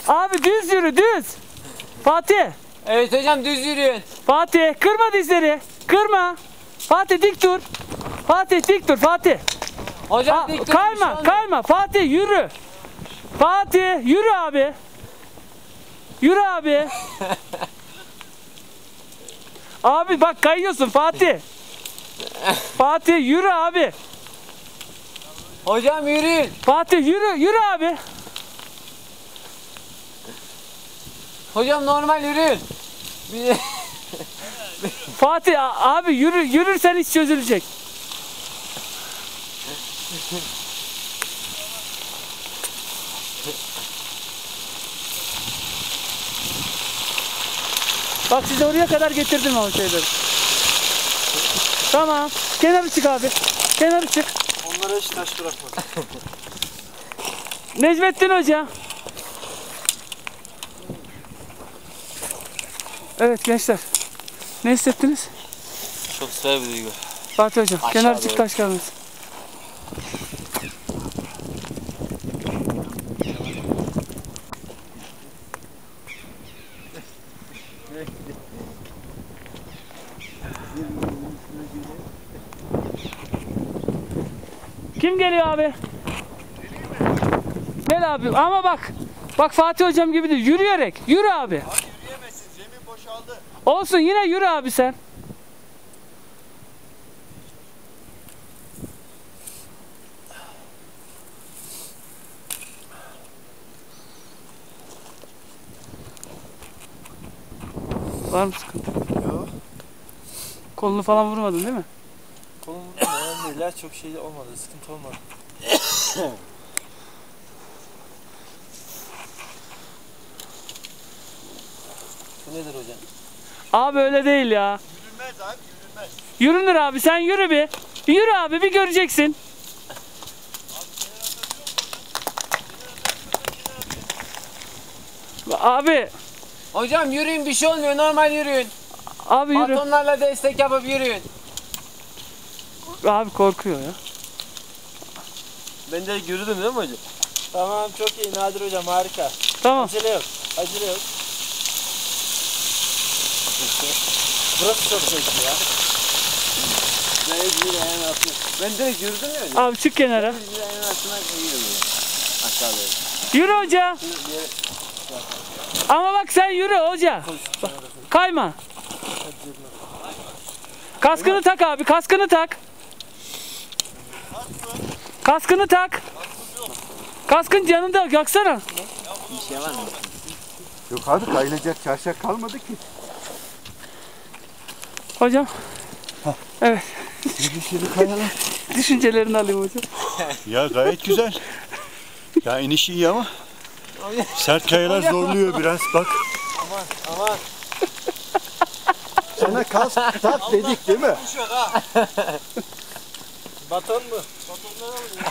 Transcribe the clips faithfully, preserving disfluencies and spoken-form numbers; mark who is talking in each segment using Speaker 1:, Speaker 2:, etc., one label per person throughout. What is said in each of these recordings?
Speaker 1: Abi düz yürü düz. Fatih.
Speaker 2: Evet hocam düz yürüyün.
Speaker 1: Fatih kırma dizleri. Kırma. Fatih dik dur. Fatih dik dur Fatih.
Speaker 2: Hocam
Speaker 1: Aa,
Speaker 2: dik dur.
Speaker 1: kayma kayma Fatih yürü. Fatih yürü abi. Yürü abi. Abi bak kayıyorsun Fatih. Fatih yürü abi.
Speaker 2: Hocam yürüyün.
Speaker 1: Fatih yürü yürü abi.
Speaker 2: Hocam normal yürüyün. Bir-
Speaker 1: Fatih a- abi yürü yürürsen iş çözülecek. Bak sizi oraya kadar getirdim o şeyleri. Tamam. Kenarı çık abi. Kenarı çık.
Speaker 3: Onlara hiç taş bırakmadım.
Speaker 1: Necmettin Hoca. Evet gençler. Ne hissettiniz?
Speaker 3: Çok süper bir duygu.
Speaker 1: Fatih Hocam.
Speaker 3: Aşağı
Speaker 1: Kenarı çık
Speaker 3: doğru.
Speaker 1: taş kalmasın. Kim geliyor abi? Gel abi ama bak. Bak Fatih Hocam gibi değil. Yürüyerek. Yürü abi.
Speaker 3: Abi yürüyemezsin, zemin boşaldı.
Speaker 1: Olsun yine yürü abi sen. Var mı sıkıntı?
Speaker 3: Yok.
Speaker 1: Kolunu falan vurmadın değil mi?
Speaker 3: Kolum önemli değil, çok şey olmadı, sıkıntı olmadı. Bu nedir hocam?
Speaker 1: Abi öyle değil ya.
Speaker 3: Yürünmez abi, yürünmez.
Speaker 1: Yürünür abi sen yürü bir. Bir yürü abi bir göreceksin. Abi.
Speaker 2: Hocam yürüyün bir şey olmuyor normal yürüyün.
Speaker 1: Abi yürü.
Speaker 2: Batonlarla destek yapıp yürüyün.
Speaker 1: Abi korkuyor ya.
Speaker 3: Ben de yürüdüm değil mi hocam? Tamam, çok iyi Nadir hocam, harika.
Speaker 1: Tamam.
Speaker 3: Acele yok, acele yok. Burası çok zevkli ya. Ben bir ayağın altına. Ben direkt yürüdüm ya hocam.
Speaker 1: Abi çık kenara.
Speaker 3: Bir ayağın altına koyuyorum ya. Aşağı doğru.
Speaker 1: Yürü hoca. Ama bak sen yürü hoca. Bak, kayma. Kaskını tak abi kaskını tak. Kaskını tak. Kaskın yanında baksana.
Speaker 2: Bir şey var mı?
Speaker 4: Yok abi kayılacak çarşaf kalmadı ki.
Speaker 1: Hocam. Evet.
Speaker 4: Yürüyüşleri kayalım.
Speaker 1: Düşüncelerini alayım hocam.
Speaker 4: Ya gayet güzel. Ya iniş iyi ama sert kayalar zorluyor biraz bak.
Speaker 3: Aman aman.
Speaker 4: Sana kask tak dedik değil mi?
Speaker 3: Düşüyor ha. Baton mu? Batonları alın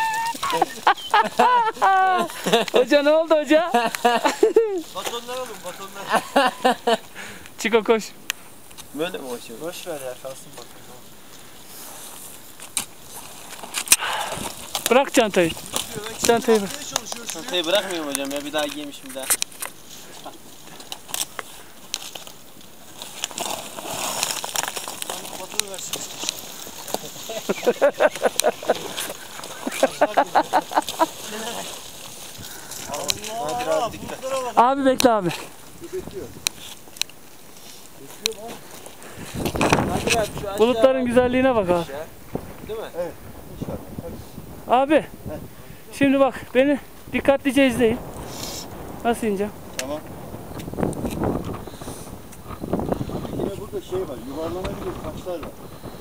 Speaker 3: ya.
Speaker 1: Hoca ne oldu hoca?
Speaker 3: Batonları alın, batonları.
Speaker 1: Çiko koş.
Speaker 2: Böyle mi hocam?
Speaker 3: Boş ver ya, kalsın baton.
Speaker 1: Bırak çantayı. Çantayı bırak.
Speaker 2: Çantayı bırakmıyorum hocam ya bir daha giymişim daha.
Speaker 3: Batonu versin. Allah Allah, bulutlara bak.
Speaker 1: Abi bekle abi.
Speaker 2: Nadir abi şu aşağı
Speaker 1: Bulutların güzelliğine bak abi.
Speaker 2: değil mi?
Speaker 4: Evet.
Speaker 1: Abi. Şimdi bak beni dikkatlice izleyin. Nasıl ineceğim?
Speaker 4: Tamam. Yine burada şey var, yuvarlanabilir taşlar var.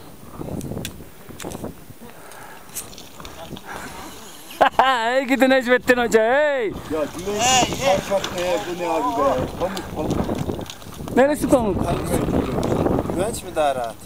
Speaker 1: Hey gidin Necmettin Hoca hey.
Speaker 4: Ya güneş çarşaf ne, bu ne abi be? Pamuk pamuk.
Speaker 1: Neresi pamuk?
Speaker 3: Güvenç mi daha rahat?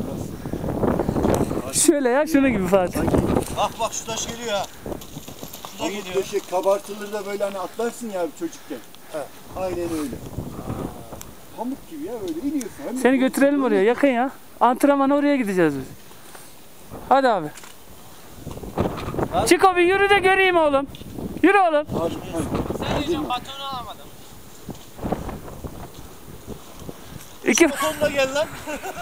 Speaker 1: Şöyle ya şunu gibi Fatih.
Speaker 3: Bak bak şu taş geliyor ha. Şu da
Speaker 4: Pamuk
Speaker 3: geliyor.
Speaker 4: döşek kabartılır da böyle hani atlarsın ya çocukken.
Speaker 3: Evet.
Speaker 4: Aynen öyle. Pamuk gibi ya böyle iniyorsun. Hem de
Speaker 1: Seni götürelim oraya yakın ya. Antrenmana oraya gideceğiz biz. Hadi abi. Çiko bir yürü de göreyim oğlum. Yürü oğlum.
Speaker 2: Sen diyeceğim batonu alamadım.
Speaker 1: İki...
Speaker 3: Sonuna gel lan.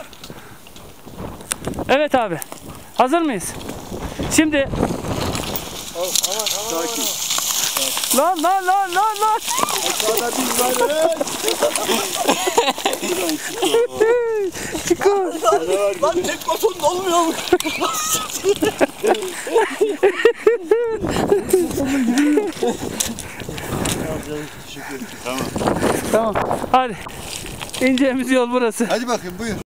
Speaker 1: Evet abi. Hazır mıyız? Şimdi...
Speaker 3: Sakin.
Speaker 1: Lan lan lan lan lan.
Speaker 3: Aşağıda bir var.
Speaker 1: Çiko.
Speaker 3: Lan tek baton olmuyor mu?
Speaker 4: Tamam.
Speaker 1: Tamam. Hadi. İneceğimiz yol burası.
Speaker 4: Hadi bakayım buyur.